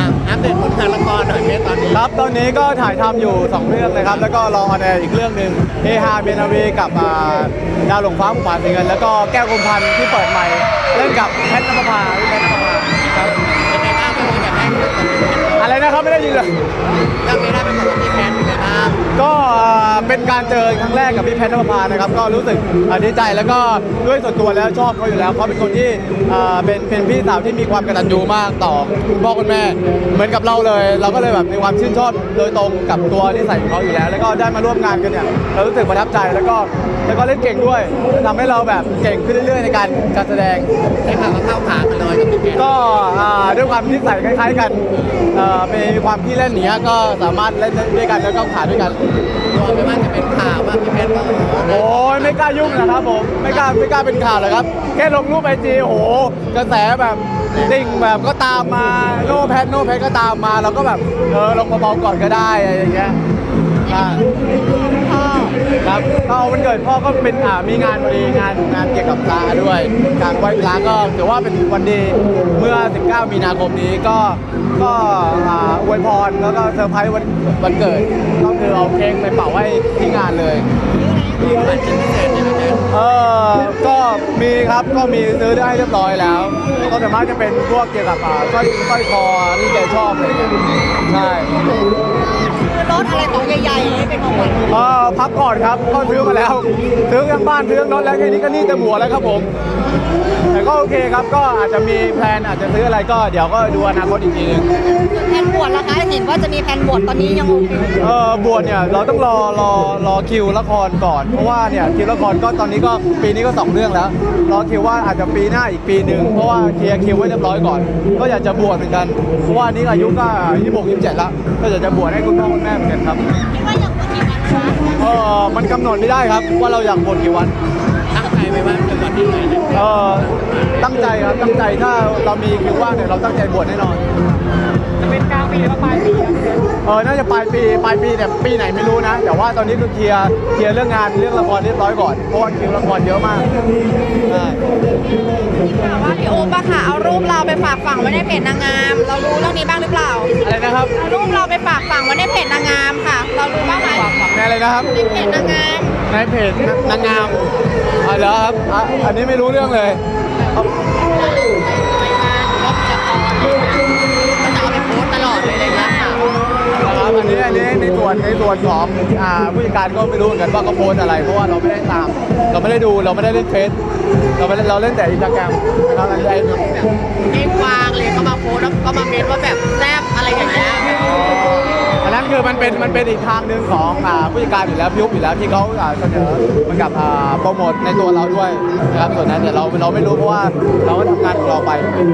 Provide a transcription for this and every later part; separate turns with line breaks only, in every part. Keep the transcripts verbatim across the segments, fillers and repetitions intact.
อัปเดตผลงานละครหน่อยเพชรตอนนี้
ครับตอนนี้ก็ถ่ายทำอยู่สองเรื่องเลยครับแล้วก็รอออนแอร์อีกเรื่องหนึ่งเฮฮาเบนารีกับอ่าดาวหลงฟ้าผู้ผ่านเงินแล้วก็แก้วกรมพันธ์ที่เปิดใหม่เล่นกับแพทนภพาพี่แพทนภพาครับ
เป็นไงบ้างเป็นแบบแรกที่เป็นเพชร
อะไรนะครับไม่ได้ยินเลย
เรื่องนี้ได้เป็นบทที่เพชรเป็นไงบ้าง
ก็เป็นการเจอครั้งแรกกับพี่แพทนภพานะครับก็รู้สึกดีใจแล้วก็ด้วยส่วนตัวแล้วชอบเขาอยู่แล้วเขาเป็นคนที่เป็นเป็นพี่สาวที่มีความกตัญญูมากต่อคุณพ่อคุณแม่เหมือนกับเราเลย เราก็เลยแบบมีความชื่นชอบโดยตรงกับตัวนิสัยของเขาอยู่แล้ว แล้วก็ได้มาร่วมงานกันเนี่ยเรารู้สึกประทับใจแล้วก็แล้วก็เล่นเก่งด้วยทำให้เราแบบเก่งขึ้นเรื่อยๆในการการแสดง
ได้ข่าวว่าเข้าขากันเลยกับพี่เพชร
ก็ด้วยความนิสัยคล้ายๆกันมีความขี้เล่นเนี้ยก็สามารถเล่นด้วยกันแล้วก็ขาด้วยกัน
ตัวไม่ว่าจะเป็นข่าวว่าพี่เพชรก็
โอ้ยไม่กล้ายุ่งนะครับผมไม่กล้าไม่กล้าเป็นข่าวเลยครับแค่ลงรูปไอจีโอ้โหกระแสแบบดิ่งแบบก็ตามมาโน้แพทโน้แพทก็ตามมาเราก็แบบเออลงมาเบาก่อนก็ได้อะไรอย่างเงี้ยครับก็วันเกิดพ่อก็เป็นอ่ามีงานพอดีงานงานเกี่ยวกับปลาด้วยการไหว้ปลาก็ถือว่าเป็นวันดีเมื่อสิบเก้ามีนาคมนี้ก็ก็อ่าอวยพรแล้วก็เซอร์ไพรส์วันวันเกิดก็คือเอาเค้กไปเป่าให้ที่งานเลย
มีขวัญชิ้นพิเศษใช่ไหมเพชร
เออก็มีครับก็มีซื้อได้เรียบร้อยแล้วก็ส่วนมากจะเป็นพวกเกี่ยวกับอ่าสร้อยสร้อยคอที่แกชอบอะไรเงี้ยใช่
คือรถอะไรตัวใหญ่ๆเป็นของขวัญ
เออพักก่อนครับก็ซื้อมาแล้วซื้อทั้งบ้านซื้อทั้งรถแล้วแค่นี้ก็หนี่จะบัวแล้วครับผมแต่ก็โอเคครับก็อาจจะมีแพลนอาจจะซื้ออะไรก็เดี๋ยวก็ดูอนาคตอีกทีนึง
แผนบวชล่ะคะเห็นว่าจะมีแผนบวชตอนนี้ยังโอเค
เออบวชเนี่ยเราต้องรอรอรอคิวละครก่อนเพราะว่าเนี่ยคิวละครก็ตอนนี้ก็ปีนี้ก็สองเรื่องแล้วรอคิวว่าอาจจะปีหน้าอีกปีหนึ่งเพราะว่าเคลียร์คิวไว้เรียบร้อยก่อนก็อยากจะบวชเหมือนกันเพราะว่านี้อายุก็ยี่สิบหกยี่สิบเจ็ดแล้วก็อยากจะบวชให้คุณพ่อคุณแม่เหมือนกันครับ
คิดว่ายังบวชกี่วันคะ
เออมันกำหนดไม่ได้ครับว่าเราอยากบวชกี่วัน
ตั้งใจไว้ว่าจะบวชที่ไหนเนี่ย
เออตั้งใจครับตั้งใจถ้าเรามีคิวว่างเนี่ยเราตั้งใจบวชแน่นอน
จะเป็นกลางปีหรือปลายปี
เออน่าจะปลายปีปลายปีแต่ปีไหนไม่รู้นะแต่ว่าตอนนี้คือเคลียร์เคลียร์เรื่องงานเรื่องละครเรียบร้อยก่อนเพราะว่าคิวละครเยอะมากใช่
ว่าพี่โอ๊บอะค่ะเอารูปเราไปฝากฝังไว้ในเพจนางงาม เรารู้เรื่องนี้บ้างหรือเปล่า
อะไรนะครับ
เอารูปเราไปฝากฝังไว้ในเพจนางงามค่ะ เรารู้บ้างไหม
ฝากฝังในอะไรนะครับ
ในเพจนางงาม
ในเพจนางงามอ๋อเหรอครับอ่ะอันนี้ไม่รู้เรื่องเลยครับ
ไปงานรับละครก็จะเอาไปโพสต์ตลอดเลยอะไรเงี้ยค่ะ
นะครับอันนี้อันนี้ในส่วนในส่วนของอ่าผู้จัดการก็ไม่รู้เหมือนกันว่าเขาโพสต์อะไรเพราะว่าเราไม่ได้ตาม เราไม่ได้ดูเราไม่ได้เล่นเฟซเราไม่ได้เราเล่นแต่อินสตาแกรมนะครับอันนี้ไอ้เนี่ย
เองวางเลยก็มาโพสต์แล้วก็มาเมนว่าแบบแซ่บอะไรอย่างเงี้ย
อันนั้นคือมันเป็นมันเป็นอีกทางหนึ่งของอ่าผู้จัดการอยู่แล้วพิยุบอยู่แล้วที่เขาอ่าเสนอเหมือนกับอ่าโปรโมทในตัวเราด้วยนะครับส่วนนั้นเนี่ยเราเราไม่รู้เพราะว่าเราก็ทำงานของเราไป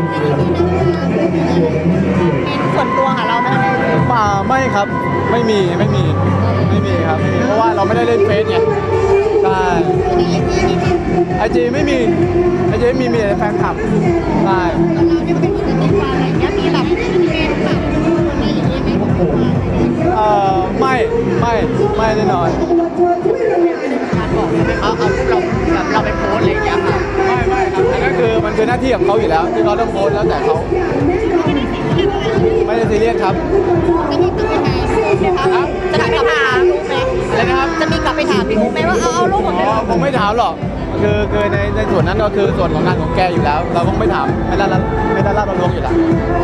มีส่วนตัวค่ะเราไหม
ป่าไม่ครับไม่มีไม่มีไม่มีครับไม่มีเพราะว่าเราไม่ได้เล่นเฟซไงใช่ไอจีไม่มีไอจีไม่มีมีแต่แฟนคลับใช่
เราเนี่ยเป็นคนติดวางอะไรอย่างเงี้ยมีแบบเป็นแบบอะไรอย่างเงี้ยไหมของเรา
เอ่อไม่ไม่ไม่แน่นอน
การบอกใช่ไหมเขาเอารูปเราแบบเราไปโพสต์อะไรอย่างเงี้ยค่ะ
ไม่ไม่ครับอันนั้นคือมันคือหน้าที่ของเขาอยู่แล้วที่เขาต้องโพสต์แล้วแต่เขาไม่ได้ซีเรียสครับ
จะมีกลับไปถามรูปไหม
อะไรนะครับ
จะมีกลับไปถามพี่อุ๊บไหมว่าเอาเอารูปผม
อ๋อผมไม่ถามหรอกคือคือในในส่วนนั้นก็คือส่วนของงานของแกอยู่แล้ว เราคงไม่ถามไม่ได้รับไม่ได้รับเราลวงอยู่แล้ว